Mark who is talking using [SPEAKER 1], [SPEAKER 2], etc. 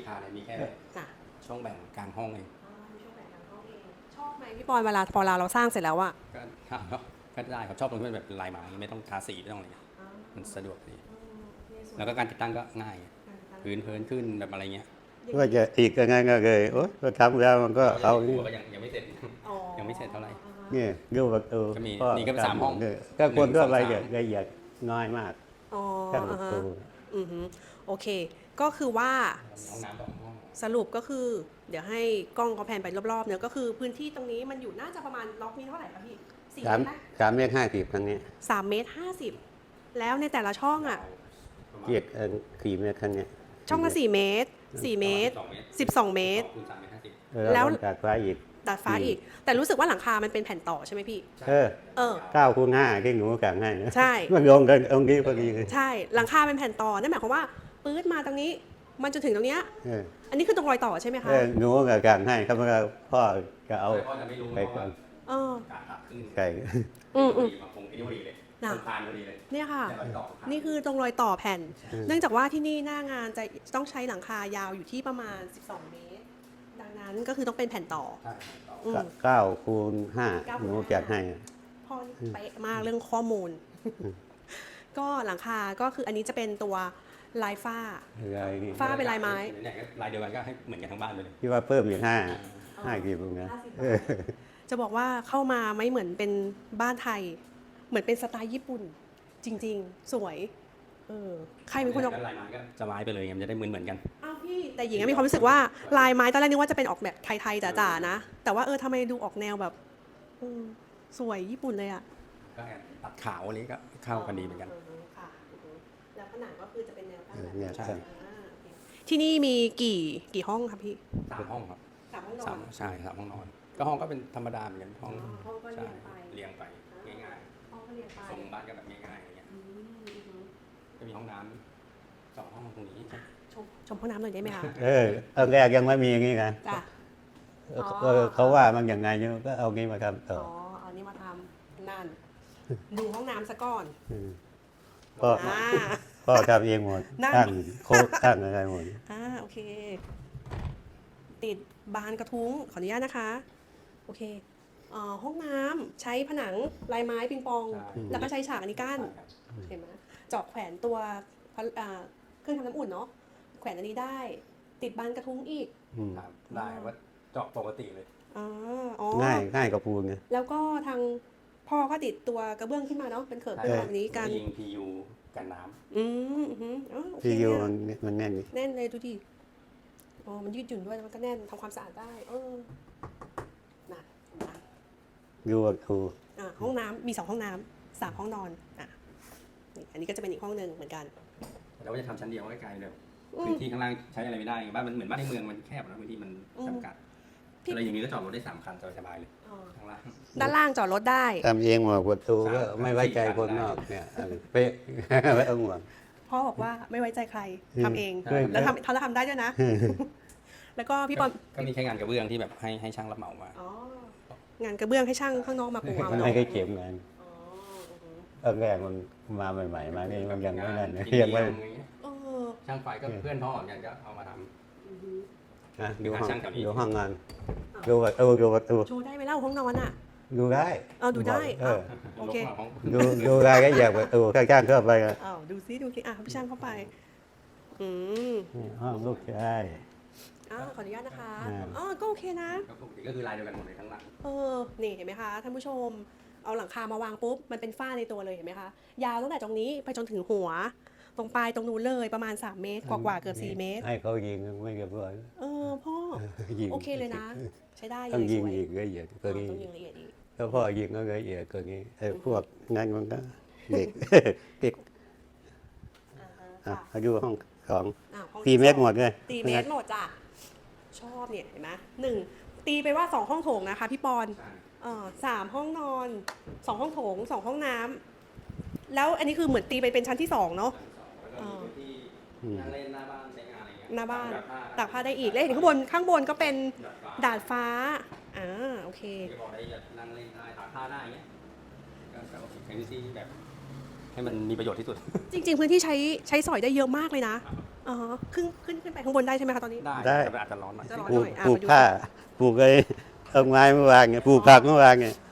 [SPEAKER 1] คาเลยมีแค่
[SPEAKER 2] จ้ะ
[SPEAKER 1] ช่องแบ่งกลางห้องเอง
[SPEAKER 2] มีช่วงแบ่งทางห้องเองชอบไหมพี่ปอนเวลาพอเราสร้างเสร็จแล้วอะ
[SPEAKER 1] ก็ได้ครับชอบตรงที่มันแบบลายไม้ไม่ต้องทาสีไม่ต้องอะไรมันสะดวกดีแล้วก็การติดตั้งก็ง่ายพื้นขึ้นแบบอะไรเงี้ย
[SPEAKER 3] ว่าจะอีกยังไงก็เลยโอ๊ยก็ทำแล้วมันก็เอา
[SPEAKER 1] ก็ยังไม่เสร็จยังไม่เสร็จเท่าไหร่
[SPEAKER 3] เนี่ยดูประตู
[SPEAKER 1] ก็มีนี่ก็เป็น3ห้อง
[SPEAKER 3] ถ้าคนทั่วไปจะละเอียดน้อยมาก
[SPEAKER 2] อ๋อ
[SPEAKER 3] แค่ประตู
[SPEAKER 2] โอเคก็คือว่า
[SPEAKER 1] ห้องน้ำ2 ห้อง
[SPEAKER 2] สรุปก็คือเดี๋ยวให้กล้องเขาแผนไปรอบๆเนี่ยก็คือพื้นที่ตรงนี้มันอยู่น่าจะประมาณล็อกนี้เท่าไหร่คะพี่4
[SPEAKER 3] สาม
[SPEAKER 2] เมตรไหม
[SPEAKER 3] 3.50 ครั้งนี้
[SPEAKER 2] 3 เมตร 50แล้วในแต่ละช่องอะ
[SPEAKER 3] เกียรติ4 เมตรครั้งนี้
[SPEAKER 2] ช่องละ4 เมตร 4 เมตร 12 เมตร
[SPEAKER 1] คูณ3 เมตร 50
[SPEAKER 2] แล้ว
[SPEAKER 3] จากฟ้าอีก
[SPEAKER 2] ดาดฟ้าอีก แต่รู้สึกว่าหลังคามันเป็นแผ่นต่อใช่ไหมพี่
[SPEAKER 3] เออ9 คูณ 5ที่หนูกางให้นะ
[SPEAKER 2] ใช่
[SPEAKER 3] มันลงกันตรงนี้พอดีเลย
[SPEAKER 2] ใช่หลังคาเป็นแผ่นต่อนั่นหมายความว่าปื๊ดมาตรงนี้มันจนถึงตรงเนี้ย
[SPEAKER 3] เออ
[SPEAKER 2] อันนี้คือตรงรอยต่อใช่ไหมคะ
[SPEAKER 3] หนูก็กางให้ครับแล้วพ่อก็เอา
[SPEAKER 1] พ่อจะไม่รู้
[SPEAKER 3] ไป
[SPEAKER 1] เพราะ
[SPEAKER 3] ก่อ
[SPEAKER 1] ว่าน การตัดขึ้น
[SPEAKER 3] ไก่
[SPEAKER 1] มาคงที่พอดีเลย
[SPEAKER 2] น่ะ
[SPEAKER 1] ทานพอดีเลย
[SPEAKER 2] เนี่ยค่ะ
[SPEAKER 1] แต่รอยต่อ
[SPEAKER 2] นี่คือตรงรอยต่อแผ่น เนื่องจากว่าที่นี่หน้างานจะต้องใช้หลังคายาวอยู่ที่ประมาณ 12 เมตร ดังนั้นก็คือต้องเป็นแผ่นต่อ
[SPEAKER 1] ใช่ต่อ
[SPEAKER 2] อืม
[SPEAKER 3] 9 คูณ 5หนูจัดให้
[SPEAKER 2] พ่อนี่เป๊ะมากเรื่องข้อมูล ก็หลังคาก็คืออันนี้จะเป็นตัวลายฝ้า
[SPEAKER 3] อะไรนี่
[SPEAKER 2] ฝ้าเป็นลายไม้
[SPEAKER 1] เนี่ยลายเดียวกันก็ให้เหมือนกันทั้งบ้านเลย
[SPEAKER 3] ที่ว่าเพิ่มอีก5กี่ปุ่มนะ
[SPEAKER 2] จะบอกว่าเข้ามาไม่เหมือนเป็นบ้านไทย เหมือนเป็นสไตล์ญี่ปุ่น จริงๆ สวยใครเป็นคนออก
[SPEAKER 1] ลายไม้ก็จะไม้ไปเลยมันจะได้เหมือนกัน
[SPEAKER 2] อ้าวพี่แต่หญิงมีความรู้สึกว่าลายไม้ตอนแรกนึกว่าจะเป็นออกแบบไทยๆจ๋าๆนะ แต่ว่าทำไมดูออกแนวแบบสวยญี่ปุ่นเลยอ่ะ
[SPEAKER 1] ก็ตัดขาวอะไรก็เข้ากันดีเหมือนกัน
[SPEAKER 2] ค่ะแล้วผนังก็คือจะเป็นแนวตั้งแบบ
[SPEAKER 3] เนี่ย
[SPEAKER 1] ใช่
[SPEAKER 2] ที่นี่มีกี่ห้องครับพี่
[SPEAKER 1] 3 ห้องครับ
[SPEAKER 2] 3 ห้องนอน
[SPEAKER 1] ใช่3 ห้องนอน ก็ห้องก็เป็นธรรมดาเหมือนกันห้อง
[SPEAKER 2] ห้องก็
[SPEAKER 1] ใช่
[SPEAKER 2] เรียงไป
[SPEAKER 1] เรียงไปง่าย
[SPEAKER 2] ห้องก็เรียงไป
[SPEAKER 1] ๆทรงบ้านก็แบบง่ายๆอะไรเงี้ยก็มีห้องน้ำ2 ห้องตรงนี้
[SPEAKER 2] ชมห้องน้ำหน่อยได้ไหมคะ
[SPEAKER 3] ตอนแรกยังไม่มีอย่างนี้กัน
[SPEAKER 2] จ้ะ
[SPEAKER 3] เขาว่ามันอย่างไงเนี่ยก็เอางี้มาทำต่อ
[SPEAKER 2] เอานี่มาทำนั่นดูห้องน้ำซะก่อน
[SPEAKER 3] พ่อ
[SPEAKER 2] อ่า
[SPEAKER 3] พ่อทำเองหมด
[SPEAKER 2] นั่น
[SPEAKER 3] ตั้งโคกตั้งอะไรหมด
[SPEAKER 2] โอเค ติดบานกระทุ้งขออนุญาตนะคะโอเคห้องน้ำใช้ผนังลายไม้ปิงปอง แล้วก็ใช้ฉากอันนี้กั้นเห็นไหมเจาะแขวนตัวเครื่องทำน้ำอุ่นเนาะแขวนอันนี้ได้ ติดบานกระทุ้งอีก
[SPEAKER 1] ครับได้ว่าเจาะปกติเลย
[SPEAKER 2] อ๋อ
[SPEAKER 3] ง่ายกับปูนไง
[SPEAKER 2] แล้วก็ทางพ่อก็ติดตัวกระเบื้องขึ้นมาเนาะเป็นเขิบเป็นแบบนี้กัน
[SPEAKER 1] ยิง PU กันน้ำ
[SPEAKER 2] โอเค
[SPEAKER 3] ที่อยู่
[SPEAKER 2] เนี่ย
[SPEAKER 3] มันแน่นนี่
[SPEAKER 2] แน่นเลยดูดิมันยืดหยุ่นด้วยแล้วมันก็แน่นทำความสะอาดได้น่ะเห็นไหม
[SPEAKER 3] อยู่กับครู
[SPEAKER 2] ห้องน้ำมี2 ห้องน้ำ3 ห้องนอนนี่อันนี้ก็จะเป็นอีกห้องหนึ่งเหมือนกัน
[SPEAKER 1] เราก็จะทำชั้นเดียวใกล้ๆเลยพื้นที่ข้างล่างใช้อะไรไม่ได้บ้านมันเหมือนบ้านในเมืองมันแคบนะพื้นที่มันจำกัดอะไรอย่างนี้ก็จอดรถได้3 คันสบายๆเลยข้างล่าง
[SPEAKER 2] ด้านล่างจอดรถได้
[SPEAKER 3] ทำเองหมดประตูก็ไม่ไว้ใจคนนอกเนี่ยเป๊ะไม่ต้องห่วง
[SPEAKER 2] พ่อบอกว่าไม่ไว้ใจใครทำเอง
[SPEAKER 3] ใช่
[SPEAKER 2] แล้วทำได้ด้วยนะ แล้วก็พี่ปอน
[SPEAKER 1] ก็มีแค่งานกระเบื้องที่แบบให้ช่างรับเหมามา
[SPEAKER 2] งานกระเบื้องให้ช่างข้างนอกมาปูเอา
[SPEAKER 3] มัน
[SPEAKER 2] เนาะ
[SPEAKER 3] ไม่เคยเข็มกันตอนแรกมันมาใหม่ๆมานี่มันยังไม่นั่นยังไม่
[SPEAKER 1] ช่างไฟก็เพื่อนพ่อเหมือนกันก็เอามาท
[SPEAKER 3] ดูห้อง
[SPEAKER 1] ช่างแถวนี้
[SPEAKER 3] ดูห้องงานดูประตู
[SPEAKER 2] โชว์ได้ไหมเล่าห้องนอนอ่ะ
[SPEAKER 3] ดูได้
[SPEAKER 2] ดูได้
[SPEAKER 1] ำ
[SPEAKER 2] โอเค
[SPEAKER 1] ลบมาห้อง
[SPEAKER 3] ดูได้ก็อยากประตูข้างๆเข้าไป
[SPEAKER 2] ดูซิพี่ช่างเข้าไป
[SPEAKER 3] ห้องลูกชาย
[SPEAKER 2] ขออนุญาตนะคะ
[SPEAKER 3] อ่า
[SPEAKER 2] ก็โอเคนะ
[SPEAKER 1] ก็ปกติก็คือลายเดียวกันหมดเลยทั้งหลัง
[SPEAKER 2] นี่เห็นไหมคะท่านผู้ชมเอาหลังคามาวางปุ๊บมันเป็นฝ้าในตัวเลยเห็นไหมคะยาวตั้งแต่ตรงนี้ไปจนถึงหัว ตรงปลายตรงนู้นเลยประมาณ3 เมตรกว่าๆเกือบ4 เมตร
[SPEAKER 3] ให้เขายิงไม่เรียบร้อย
[SPEAKER 2] พ่อ
[SPEAKER 3] ยิง
[SPEAKER 2] โอเคเลยนะ ใช้ได้เล
[SPEAKER 3] ต้อง
[SPEAKER 2] ย
[SPEAKER 3] ยิ
[SPEAKER 2] ส
[SPEAKER 3] ง
[SPEAKER 2] วย
[SPEAKER 3] อีกละเอียดกว่านี้
[SPEAKER 2] ต้องยิงละเอียดอีก
[SPEAKER 3] ถ้าพ่อยิงก็ละเอียดกว่านี้ไอ้พวกนั้นมันก็เด็กเด็ก
[SPEAKER 2] ค่ะ
[SPEAKER 3] เขาดูห้องของ
[SPEAKER 2] ห้อง
[SPEAKER 3] 4 เมตรหมดเลย
[SPEAKER 2] 4 เมตรหมดจ้ะชอบเนี่ยเห็นไหม1ตีไปว่า2 ห้องโถงนะคะพี่ปอน3 ห้องนอน2 ห้องโถง2 ห้องน้ำแล้วอันนี้คือเหมือนตีไปเป็นชั้นที่2เนาะ
[SPEAKER 1] แล้วก็มีพื้นที่นั่งเล่นหน้าบ้านใช้งานอะไรเงี้ย
[SPEAKER 2] หน้าบ้าน
[SPEAKER 1] แบบ
[SPEAKER 2] ตากผ้าได้อีกแล้วเห็นข้างบนก็เป็นดาดฟ้าโอเค
[SPEAKER 1] ที่บอกได้นั่งเล่นได้ตากผ้าได้เงี้ยก็เป็นพื้นที่แบบให้มันมีประโยชน์ที่สุด
[SPEAKER 2] จริงๆพื้นที่ใช้สอยได้เยอะมากเลยนะอ๋อขึ้นไปข้างบนได้ใช่ไหมคะตอนนี้
[SPEAKER 1] ได้แต่อาจจะร้อนหน่อย
[SPEAKER 2] จะร้อน
[SPEAKER 3] ปลู
[SPEAKER 2] ห
[SPEAKER 3] ก
[SPEAKER 2] น่อย
[SPEAKER 3] ปลูก
[SPEAKER 2] มาดู
[SPEAKER 3] ผ้าปลูกไอ้ต้นไม้เมื่อวานไงปลูกผักเมื่อวานไง